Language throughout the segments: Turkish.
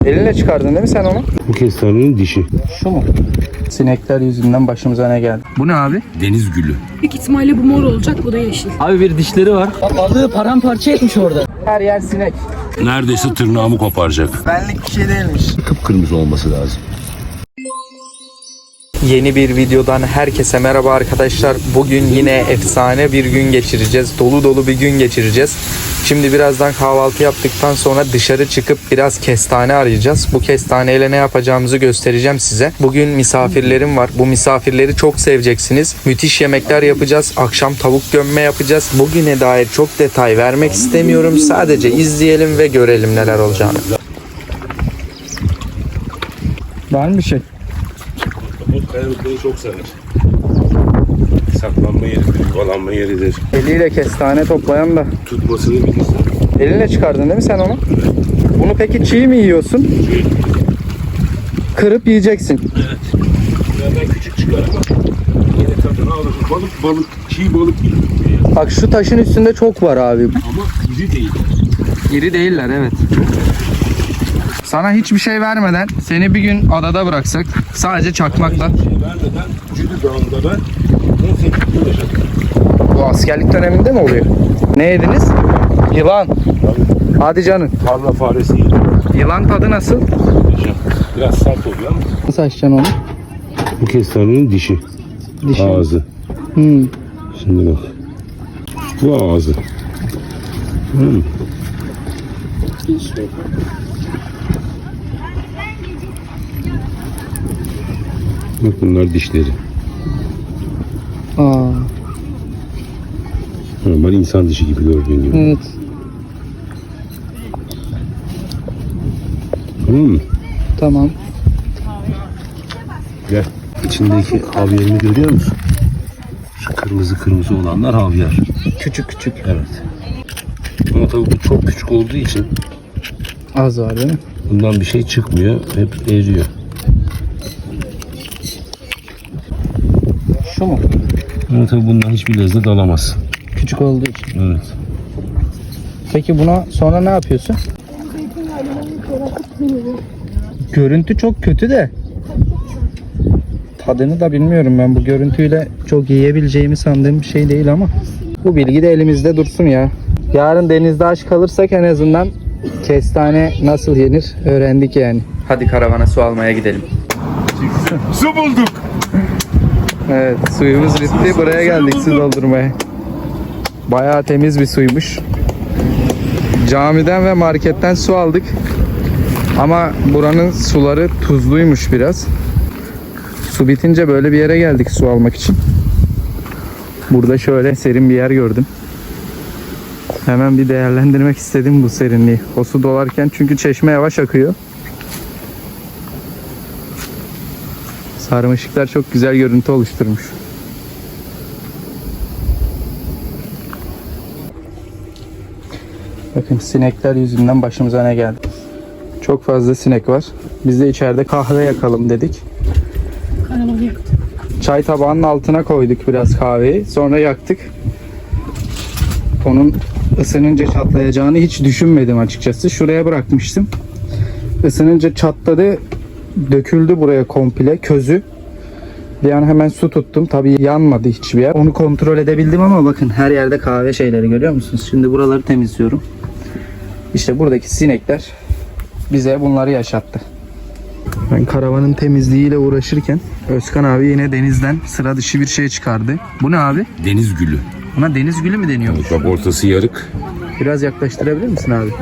Elinle çıkardın değil mi sen onu? Bu kestanenin dişi. Şu mu? Sinekler yüzünden başımıza ne geldi? Bu ne abi? Deniz gülü. Büyük ihtimalle bu mor olacak, bu da yeşil. Abi bir dişleri var. Balığı paramparça etmiş orada. Her yer sinek. Neredeyse tırnağımı koparacak. Benlik bir şey değilmiş. Kıpkırmızı olması lazım. Yeni bir videodan herkese merhaba arkadaşlar. Bugün yine efsane bir gün geçireceğiz. Dolu dolu bir gün geçireceğiz. Şimdi birazdan kahvaltı yaptıktan sonra dışarı çıkıp biraz kestane arayacağız. Bu kestaneyle ne yapacağımızı göstereceğim size. Bugün misafirlerim var. Bu misafirleri çok seveceksiniz. Müthiş yemekler yapacağız. Akşam tavuk gömme yapacağız. Bugüne dair çok detay vermek istemiyorum. Sadece izleyelim ve görelim neler olacağını. Var mı bir şey? Bu kayalıkları çok sever. Saklanma yeridir, yuvalanma yeridir. Eliyle kestane toplayan da. Tutmasını bilirsin. Elinle çıkardın değil mi sen onu? Bunu peki çiğ mi yiyorsun? Kırıp yiyeceksin. Evet. Ben küçük çıkar ama yine tadını alır. Balık, çiğ balık gibi. Bak şu taşın üstünde çok var abi. Ama iri değil. İri değiller, evet. Sana hiçbir şey vermeden seni bir gün adada bıraksak sadece çakmakla. Vermeden Cüdü Dağı'nda ben 18 yıl yaşadım. Bu askerlik döneminde mi oluyor? Ne yediniz? Yılan. Hadi canım. Tarla faresi yedim. Yılan tadı nasıl? Biraz sert oluyor ama. Nasıl açacaksın onu? Bu kestanenin dişi. Dişi. Ağzı. Şimdi bak. Bu ağzı. Bak bunlar dişleri. Aa, Normal insan dişi gibi gördüğün gibi. evet. Tamam mı? Tamam. Gel. İçindeki havyerini görüyor musun? Şu kırmızı kırmızı olanlar havyar. Küçük küçük. Evet. Ama tabii bu çok küçük olduğu için Az var değil mi? bundan bir şey çıkmıyor. Hep eriyor. Şu mu? Ama tabii bundan hiçbir lezzet alamaz. Küçük olduğu için. Evet. Peki buna sonra ne yapıyorsun? Görüntü çok kötü de. Tadını da bilmiyorum ben, bu görüntüyle çok yiyebileceğimi sandığım bir şey değil ama. Bu bilgi de elimizde dursun ya. Yarın denizde aç kalırsak en azından kestane nasıl yenir öğrendik yani. Hadi karavana su almaya gidelim. Su bulduk. Evet, suyumuz bitti, buraya geldik su doldurmaya. Bayağı temiz bir suymuş. Camiden ve marketten su aldık. Ama buranın suları tuzluymuş biraz. Su bitince böyle bir yere geldik su almak için. Burada şöyle serin bir yer gördüm. Hemen bir değerlendirmek istedim bu serinliği. O su dolarken, çünkü çeşme yavaş akıyor. Sarmaşıklar çok güzel görüntü oluşturmuş. Bakın sinekler yüzünden başımıza ne geldi. Çok fazla sinek var. Biz de içeride kahve yakalım dedik. Karavanı yaktım. Çay tabağının altına koyduk biraz kahveyi. Sonra yaktık. Onun ısınınca çatlayacağını hiç düşünmedim açıkçası. Şuraya bırakmıştım. Isınınca çatladı. Döküldü buraya komple közü. Bir an hemen su tuttum. Tabii yanmadı hiçbir yer. Onu kontrol edebildim ama bakın her yerde kahve şeyleri görüyor musunuz? Şimdi buraları temizliyorum. İşte buradaki sinekler bize bunları yaşattı. Ben karavanın temizliğiyle uğraşırken Özkan abi yine denizden sıra dışı bir şey çıkardı. Bu ne abi? Deniz gülü. Buna deniz gülü mü deniyormuş? Bak ortası yarık. Biraz yaklaştırabilir misin abi?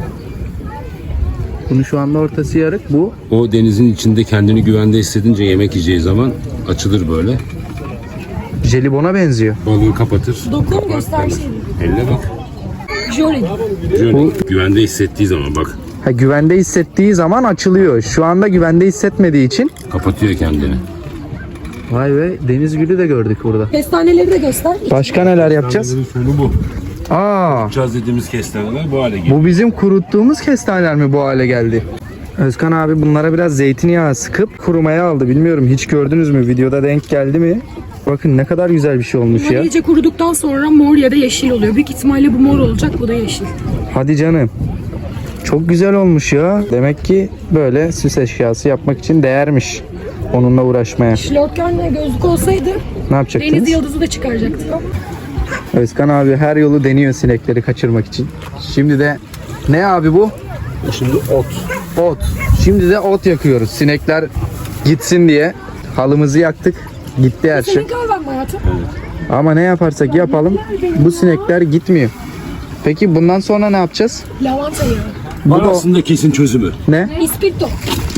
Bunu şu anda ortası yarık. Bu O denizin içinde kendini güvende hissedince yemek yiyeceği zaman açılır böyle. jelibona benziyor. Balığı kapatır. Dokun göster şeyini. Elle bak. Jöle. Şöyle güvende hissettiği zaman bak. Ha, güvende hissettiği zaman açılıyor. Şu anda güvende hissetmediği için. Kapatıyor kendini. Vay be, deniz gülü de gördük burada. Kestaneleri de göster. Başka neler yapacağız? Sonu bu. Aa, Yapacağız dediğimiz kestaneler bu hale geliyor. bu bizim kuruttuğumuz kestaneler mi bu hale geldi? Özkan abi bunlara biraz zeytinyağı sıkıp kurumaya aldı. Bilmiyorum, hiç gördünüz mü? Videoda denk geldi mi? Bakın ne kadar güzel bir şey olmuş Bunlar ya. iyice kuruduktan sonra mor ya da yeşil oluyor. Büyük ihtimalle bu mor olacak, bu da yeşil. Hadi canım. Çok güzel olmuş ya. Demek ki böyle süs eşyası yapmak için değermiş onunla uğraşmaya. Şlokörle gözlük olsaydı Ne yapacaktınız? deniz yıldızı da çıkaracaktık. Özkan abi her yolu deniyor sinekleri kaçırmak için. Şimdi de ne abi bu? Şimdi ot. Ot. Şimdi de ot yakıyoruz. Sinekler gitsin diye halımızı yaktık. Gitti her şey. Senin kahven mi hayatım? Ama ne yaparsak yapalım bu sinekler gitmiyor. Peki bundan sonra ne yapacağız? Lavanta yağı. Bu Var da aslında kesin çözümü. ne? İspirto.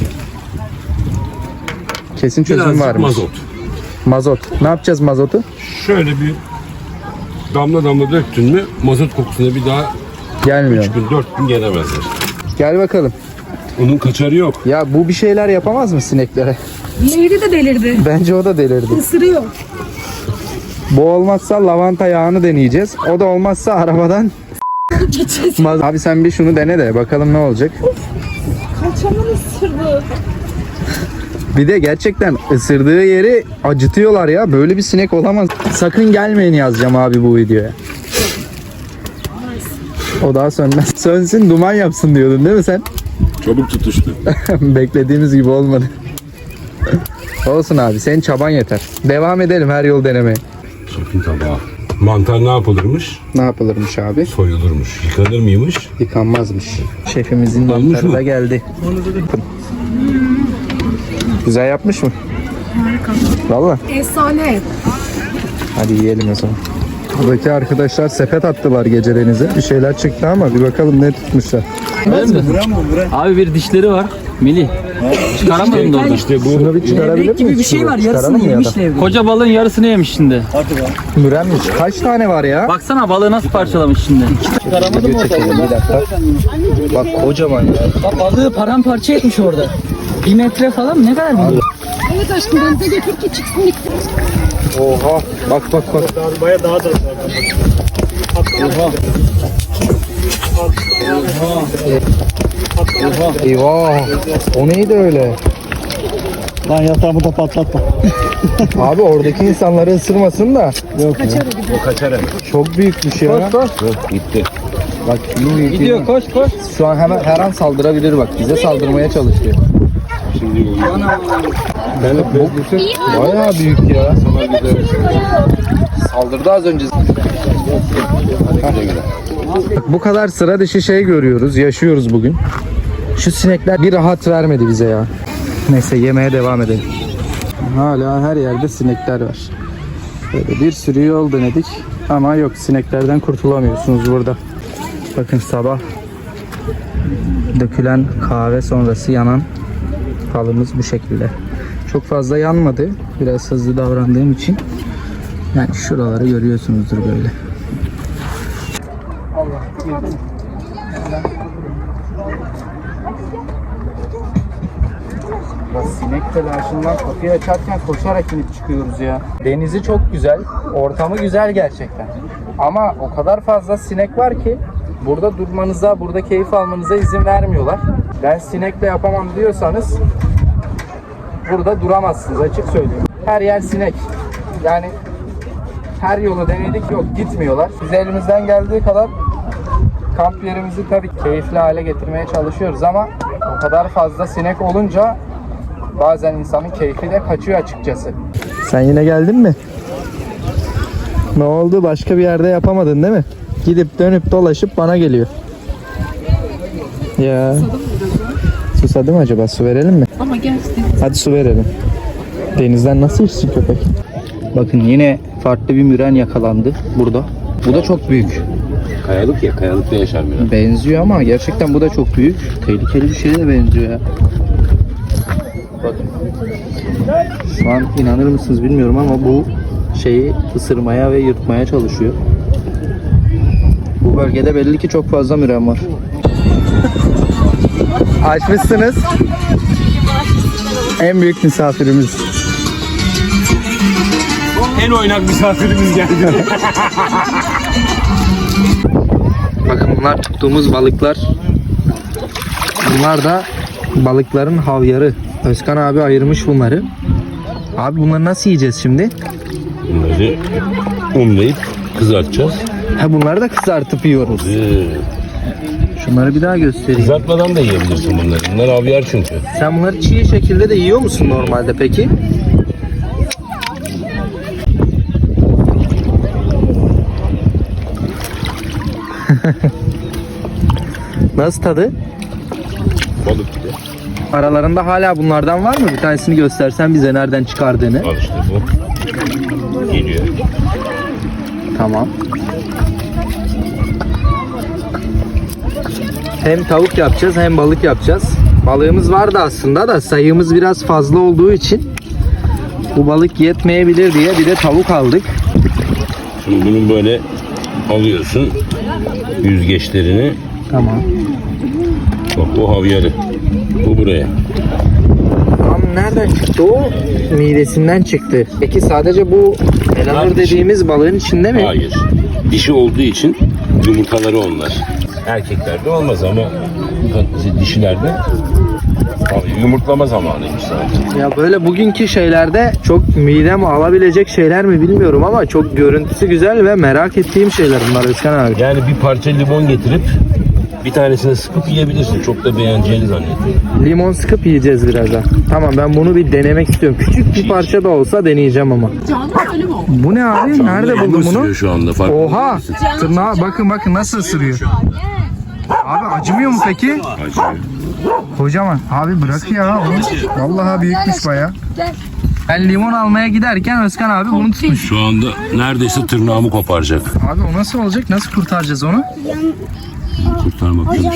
Kesin çözüm Birazcık varmış. mazot. Mazot. Ne yapacağız mazotu? Şöyle bir damla damla döktün mü mazot kokusuna bir daha Gelmiyor. 3 gün 4 gün gelemezler. Gel bakalım. Onun kaçarı yok. Ya bu bir şeyler yapamaz mı sineklere? Diğeri de delirdi. Bence o da delirdi. Isırıyor. Bu olmazsa lavanta yağını deneyeceğiz. O da olmazsa arabadan Geçeceğiz. Abi sen bir şunu dene de bakalım ne olacak. Kaçamın ısırdı. Bir de gerçekten ısırdığı yeri acıtıyorlar ya. Böyle bir sinek olamaz. Sakın gelmeyin yazacağım abi bu videoya. O daha sönmez. Sönsün duman yapsın diyordun değil mi sen? Çabuk tutuştu. Beklediğimiz gibi olmadı. Olsun abi senin çaban yeter. Devam edelim her yol denemeye. Şefin tabağı. Mantar ne yapılırmış? Ne yapılırmış abi? Soyulurmuş. Yıkanır mıymış? Yıkanmazmış. Şefimizin Olmuş mantarı mu? da geldi. Güzel yapmış mı? Harika. Valla. Efsane. Hadi yiyelim o zaman. Buradaki arkadaşlar sepet attılar gece denize. Bir şeyler çıktı ama bir bakalım ne tutmuşlar. Abi bir dişleri var. Melih. Çıkaramadın da orada. İşte bu Şunu bir çıkarabilir Levrek gibi miyiz? bir şey var. Şunu Yarısını çıkaralım ya yemiş da. levrek. Koca balığın yarısını yemiş şimdi. Mürenmiş. Kaç tane var ya? Baksana balığı nasıl parçalamış şimdi. Çıkaramadım Video çekelim bir dakika. Bak kocaman ya. Bak balığı paramparça etmiş orada. 1 metre falan mı? Ne kadar büyük? Evet aşkım denize götür ki çıksın gitsin. Oha. Bak bak bak. Eyvah. O neydi öyle? Lan yatağımı da patlatma. Abi oradaki insanları ısırmasın da. o kaçar hemen. Çok büyükmüş ya. Yok gitti. Bak büyük. Gidiyor koş koş. Şu an hemen her an saldırabilir bak. Bize saldırmaya çalışıyor. Şimdi Bayağı büyük ya. Saldırdı az önce. Bu kadar sıra dışı şey görüyoruz, yaşıyoruz bugün. Şu sinekler bir rahat vermedi bize ya. Neyse yemeye devam edelim. Hala her yerde sinekler var. Böyle bir sürü yol denedik ama yok, sineklerden kurtulamıyorsunuz burada. Bakın sabah dökülen kahve sonrası yanan halımız bu şekilde. Çok fazla yanmadı. Biraz hızlı davrandığım için. Yani şuraları görüyorsunuzdur böyle. Ya sinek telaşından kapıyı açarken koşarak inip çıkıyoruz ya. Denizi çok güzel, ortamı güzel gerçekten. Ama o kadar fazla sinek var ki burada durmanıza, burada keyif almanıza izin vermiyorlar. Ben sinekle yapamam diyorsanız burada duramazsınız, açık söyleyeyim. Her yer sinek. Yani her yolu denedik, yok gitmiyorlar. Biz elimizden geldiği kadar kamp yerimizi tabii keyifli hale getirmeye çalışıyoruz ama o kadar fazla sinek olunca bazen insanın keyfi de kaçıyor açıkçası. Sen yine geldin mi? Ne oldu? Başka bir yerde yapamadın değil mi? Gidip dönüp dolaşıp bana geliyor. Ya. Susadı mı acaba? Su verelim mi? Ama gerçekten. Hadi su verelim. Denizden nasıl içsin köpek? Bakın yine farklı bir müren yakalandı burada. Bu da çok büyük. Kayalık ya, kayalıkta yaşar biraz. Benziyor ama gerçekten bu da çok büyük. Tehlikeli bir şeye de benziyor ya. Bakın. Şu an inanır mısınız bilmiyorum ama bu şeyi ısırmaya ve yırtmaya çalışıyor. Bu bölgede belli ki çok fazla müren var. Açmışsınız. En büyük misafirimiz. En oynak misafirimiz geldi. Bakın bunlar tuttuğumuz balıklar. Bunlar da balıkların havyarı. Özkan abi ayırmış bunları. Abi bunları nasıl yiyeceğiz şimdi? Bunları unlayıp kızartacağız. Ha bunları da kızartıp yiyoruz. Şunları bir daha göstereyim. Kızartmadan da yiyebilirsin bunları. Bunlar havyar çünkü. Sen bunları çiğ şekilde de yiyor musun normalde peki? Nasıl tadı? Balık gibi. Aralarında hala bunlardan var mı? Bir tanesini göstersen bize nereden çıkardığını. Al işte bu. Geliyor. Tamam. Hem tavuk yapacağız hem balık yapacağız. Balığımız vardı aslında da sayımız biraz fazla olduğu için bu balık yetmeyebilir diye bir de tavuk aldık. Şimdi bunun böyle alıyorsun yüzgeçlerini. Tamam. Bak bu havyarı. Bu buraya. Tam nereden çıktı o? Midesinden çıktı. Peki sadece bu elanur dediğimiz balığın içinde mi? Hayır. Dişi olduğu için yumurtaları onlar. Erkeklerde olmaz ama dişilerde abi yumurtlama zamanıymış zaten. Ya böyle bugünkü şeylerde çok midem alabilecek şeyler mi bilmiyorum ama çok görüntüsü güzel ve merak ettiğim şeyler bunlar Özkan abi. Yani bir parça limon getirip bir tanesini sıkıp yiyebilirsin. Çok da beğeneceğini zannediyorum. Limon sıkıp yiyeceğiz birazdan. Tamam, ben bunu bir denemek istiyorum. Küçük bir parça da olsa deneyeceğim ama. Bu ne abi? Nerede buldun bunu? Isırıyor şu anda fark Oha! Tırnağa bakın nasıl ısırıyor. Abi acımıyor mu peki? Acıyor. Kocaman. Abi bırak ya. Vallahi büyükmüş baya. Ben limon almaya giderken Özkan abi bunu tutmuş. Şu anda neredeyse tırnağımı koparacak. Abi o nasıl olacak? Nasıl kurtaracağız onu? Kurtarmak yok.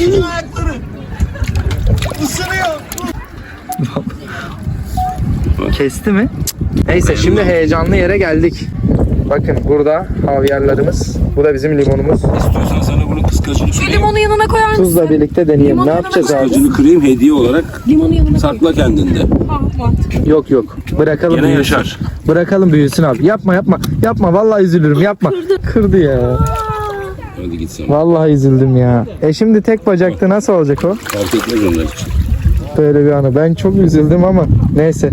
Kesti mi? Neyse, şimdi heyecanlı yere geldik. Bakın burada havyarlarımız. Bu da bizim limonumuz. İstiyorsan sana bunu kıskacını kırayım. Limonu yanına koyar mısın? Tuzla birlikte deneyelim. Ne yapacağız abi? Kıskacını kırayım hediye olarak Limonu yanına koy. sakla kendinde. Yok. Bırakalım Gene büyüsün. yaşar. Bırakalım büyüsün abi. Yapma. Vallahi üzülürüm. Yapma. Kırdı ya. Hadi git sen. Vallahi üzüldüm ya. Şimdi tek bacakta nasıl olacak o? Fark etmez onlar için. Böyle bir anı. Ben çok üzüldüm ama neyse.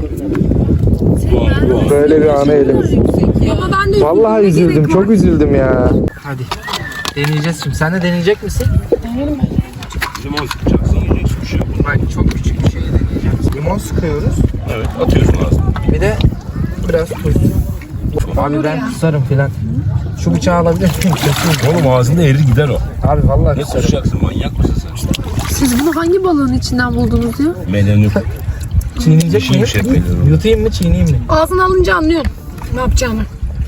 Böyle bir anı elimiz. Ama ben de Vallahi üzüldüm. Çok üzüldüm ya. Hadi. Deneyeceğiz şimdi. Sen de deneyecek misin? Limon sıkacaksın yiyeceksin bir şey yok. Bak, çok küçük bir şey deneyeceğiz. Limon sıkıyoruz. Evet atıyorsun ağzına. Bir de biraz tuz. Abi ben kusarım filan. Şu bıçağı alabilir miyim? Oğlum ağzında erir gider o. Abi vallahi Ne kusarım. kusacaksın manyak mısın sen? Siz bunu hangi balığın içinden buldunuz ya? Melenur. Çiğneyecek miyim? Yeşilmiş hep melenur. Yutayım mı, çiğneyeyim mi? Ağzını alınca anlıyorum ne yapacağını.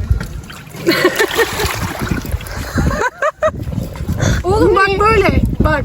Oğlum bak böyle. Bak.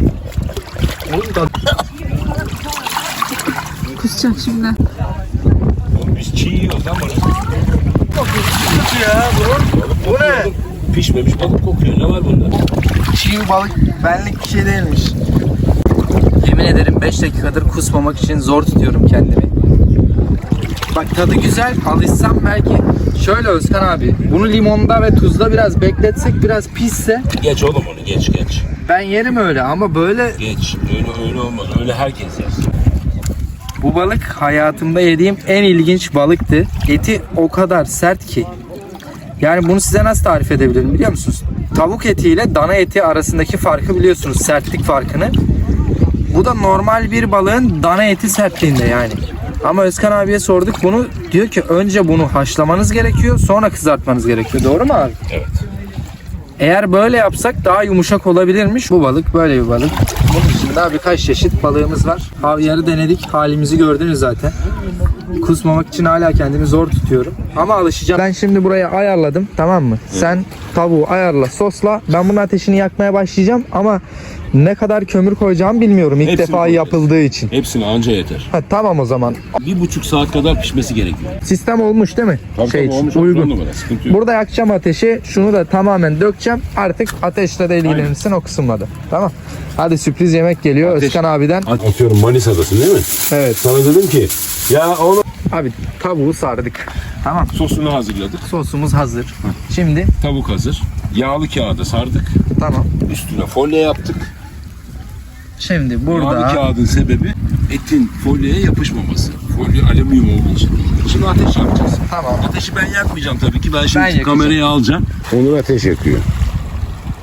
Kusacak şimdi. Oğlum biz çiğ yiyoruz lan bana. Ya bu ne? Pişmemiş balık kokuyor. Ne var bunda? Çiğ balık benlik bir şey değilmiş. Yemin ederim 5 dakikadır kusmamak için zor tutuyorum kendimi. Bak tadı güzel. Alışsam belki. Şöyle Özkan abi. Bunu limonda ve tuzda biraz bekletsek, biraz pisse Geç oğlum onu geç. ben yerim öyle ama böyle Geç. Öyle olmaz. Öyle herkes yer. bu balık hayatımda yediğim en ilginç balıktı. Eti o kadar sert ki. Yani bunu size nasıl tarif edebilirim biliyor musunuz? Tavuk eti ile dana eti arasındaki farkı biliyorsunuz, sertlik farkını. Bu da normal bir balığın dana eti sertliğinde yani. Ama Özkan abiye sorduk bunu. Diyor ki önce bunu haşlamanız gerekiyor, sonra kızartmanız gerekiyor. Doğru mu abi? Evet. Eğer böyle yapsak daha yumuşak olabilirmiş. Bu balık böyle bir balık. Bunun dışında birkaç çeşit balığımız var. Havyarı denedik. Halimizi gördünüz zaten. Kusmamak için hala kendimi zor tutuyorum. Ama alışacağım. Ben şimdi buraya ayarladım. Tamam mı? Sen tavuğu ayarla, sosla. Ben bunun ateşini yakmaya başlayacağım. Ama ne kadar kömür koyacağımı bilmiyorum. İlk Hepsini defa koyacağız. yapıldığı için. Hepsini anca yeter. Tamam o zaman. 1,5 saat kadar pişmesi gerekiyor. Sistem olmuş değil mi? Tabii olmuş. uygun. On numara, sıkıntı yok. Burada yakacağım ateşi. Şunu da tamamen dökeceğim. Artık ateşle de ilgilenirsin o kısımla da. Tamam. Hadi sürpriz yemek geliyor Özkan abiden. Atıyorum Manisa'dasın değil mi? Evet. Sana dedim ki ya onu Abi tavuğu sardık. Tamam. sosunu hazırladık. Sosumuz hazır. Şimdi Tavuk hazır. Yağlı kağıda sardık. tamam. Üstüne folyo yaptık. Şimdi Yağlı burada kağıdın sebebi etin folyoya yapışmaması. Folyo alüminyum olduğu için. Şimdi ateş yakacağız. tamam. Ateşi ben yakmayacağım tabii ki. Ben şimdi yakacağım. kamerayı alacağım. Onur ateş yakıyor.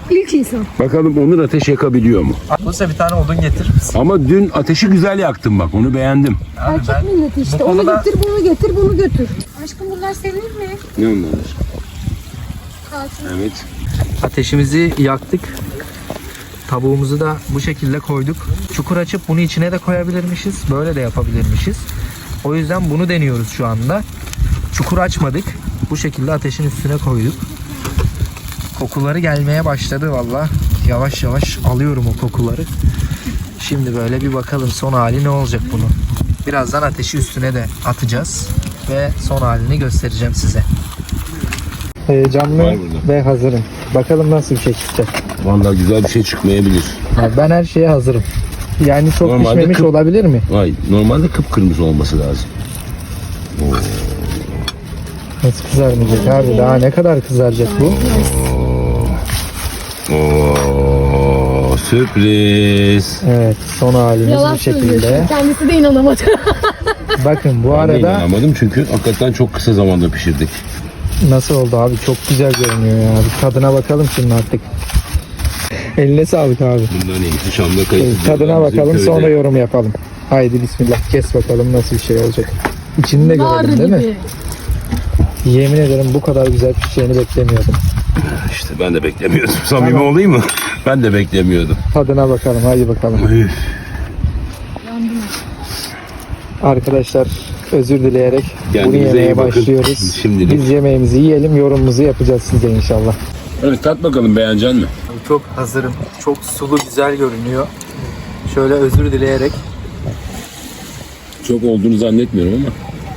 İlk insan. Bakalım Onur ateş yakabiliyor mu? Buse bir tane odun getir. Ama dün ateşi güzel yaktın bak, onu beğendim. Erkek milleti işte. Onu konuda- getir, bunu getir, bunu götür. Aşkım bunlar senin mi? Ne onlar? Evet. Ateşimizi yaktık. Tavuğumuzu da bu şekilde koyduk. Çukur açıp bunu içine de koyabilirmişiz. Böyle de yapabilirmişiz. O yüzden bunu deniyoruz şu anda. Çukur açmadık. Bu şekilde ateşin üstüne koyduk. Kokuları gelmeye başladı valla. Yavaş yavaş alıyorum o kokuları. Şimdi böyle bir bakalım son hali ne olacak bunun. Birazdan ateşi üstüne de atacağız. Ve son halini göstereceğim size. Heyecanlı Var burada. ve hazırım. Bakalım nasıl bir şey çıkacak. Vallahi güzel bir şey çıkmayabilir. Abi ben her şeye hazırım. Yani çok Normalde pişmemiş kıp- olabilir mi? Vay, normalde kıpkırmızı olması lazım. Nasıl kızarmayacak abi? Daha ne kadar kızaracak bu? Oo, sürpriz. Evet, son halimiz bu şekilde. Kendisi de inanamadı. Bakın bu Ben de arada inanamadım çünkü hakikaten çok kısa zamanda pişirdik. nasıl oldu abi? Çok güzel görünüyor ya. Bir tadına bakalım şimdi artık. Eline sağlık abi. Bundan iyisi Şam'da kayıt. Tadına bakalım sonra yorum yapalım. Haydi bismillah. Kes bakalım nasıl bir şey olacak. İçini de Nar görelim değil mi? gibi. Yemin ederim bu kadar güzel pişeceğini beklemiyordum. İşte ben de beklemiyordum. Samimi Tamam. olayım mı? Ben de beklemiyordum. Tadına bakalım. Haydi bakalım. Üf. Arkadaşlar özür dileyerek bunu Kendinize yemeye iyi bakın. başlıyoruz. Şimdilik. Biz yemeğimizi yiyelim, yorumumuzu yapacağız size inşallah. Evet, tat bakalım, beğenecek mi? Çok hazırım. Çok sulu güzel görünüyor. Şöyle özür dileyerek. Çok olduğunu zannetmiyorum ama.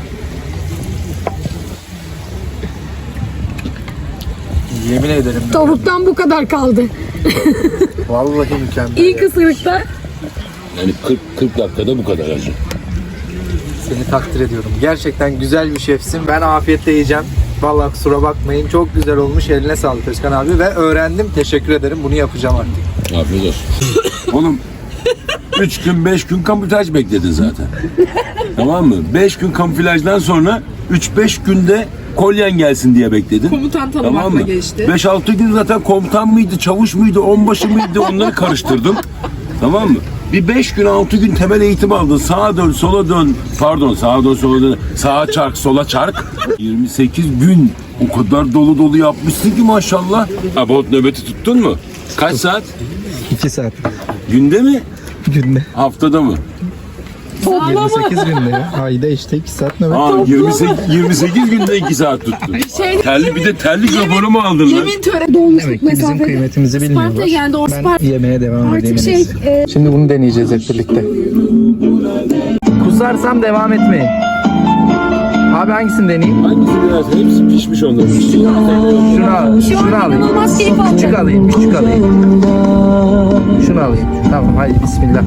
Yemin ederim. Tavuktan bu kadar kaldı. Vallahi mükemmel. İlk ısırıkta. Yani 40 dakikada bu kadar acı. Seni takdir ediyorum. Gerçekten güzel bir şefsin. Ben afiyetle yiyeceğim. Vallahi kusura bakmayın. Çok güzel olmuş. Eline sağlık Özkan abi. Ve öğrendim. Teşekkür ederim. Bunu yapacağım artık. Afiyet olsun. Oğlum 3 gün 5 gün kamuflaj bekledin zaten. Tamam mı? 5 gün kamuflajdan sonra 3-5 günde kolyen gelsin diye bekledin. Komutan Tamam mı? geçti. 5-6 gün zaten komutan mıydı, çavuş muydu, onbaşı mıydı onları karıştırdım. Tamam mı? Bir 5 gün 6 gün temel eğitim aldın. Sağa dön, sola dön. Pardon, sağa dön, sola dön. Sağa çark, sola çark. 28 gün o kadar dolu dolu yapmışsın ki maşallah. Ha, bot nöbeti tuttun mu? Kaç saat? 2 saat. Günde mi? Günde. Haftada mı? 28 günde ya. Ayda işte 2 saat nöbet. Aa, 28 günde 2 saat tuttun. Terli, bir de terlik raporu mu aldın lan? Yemin töreni dolmuşluk Demek ki bizim mesafede. kıymetimizi bilmiyorlar. Sparta'ya geldi o Ben Sparta. yemeğe devam edeyim. Artık en iyisi. Şimdi bunu deneyeceğiz hep birlikte. Kusarsam devam etmeyin. Abi hangisini deneyeyim? Hangisi biraz? Hepsi pişmiş onların. Şunu alayım. İnanılmaz keyif Küçük alacağım. alayım, küçük alayım. Şunu alayım. Tamam, hadi bismillah.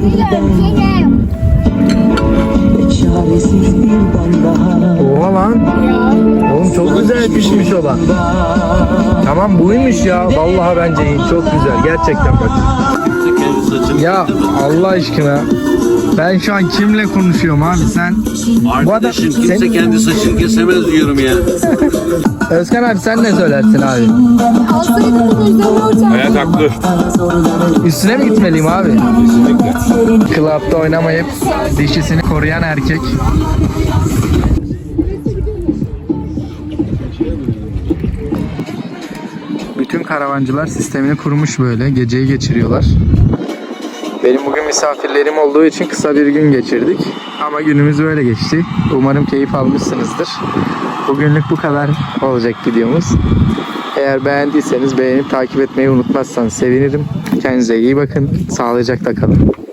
Oha lan. Oğlum çok güzel pişmiş olan. Tamam buymuş ya. Vallahi bence iyi. Çok güzel. Gerçekten bak. Ya Allah aşkına. Ben şu an kimle konuşuyorum abi sen? Arkadaşım sen- kimse kendi saçını kesemez diyorum ya. Özkan abi sen ne söylersin abi? Alsaydım bunu üzerine hocam. Hayat haklı. Üstüne mi gitmeliyim abi? Club'da oynamayıp dişisini koruyan erkek. Bütün karavancılar sistemini kurmuş böyle. Geceyi geçiriyorlar. Benim bugün misafirlerim olduğu için kısa bir gün geçirdik. Ama günümüz böyle geçti. Umarım keyif almışsınızdır. Bugünlük bu kadar olacak videomuz. Eğer beğendiyseniz beğenip takip etmeyi unutmazsanız sevinirim. Kendinize iyi bakın. Sağlıcakla kalın.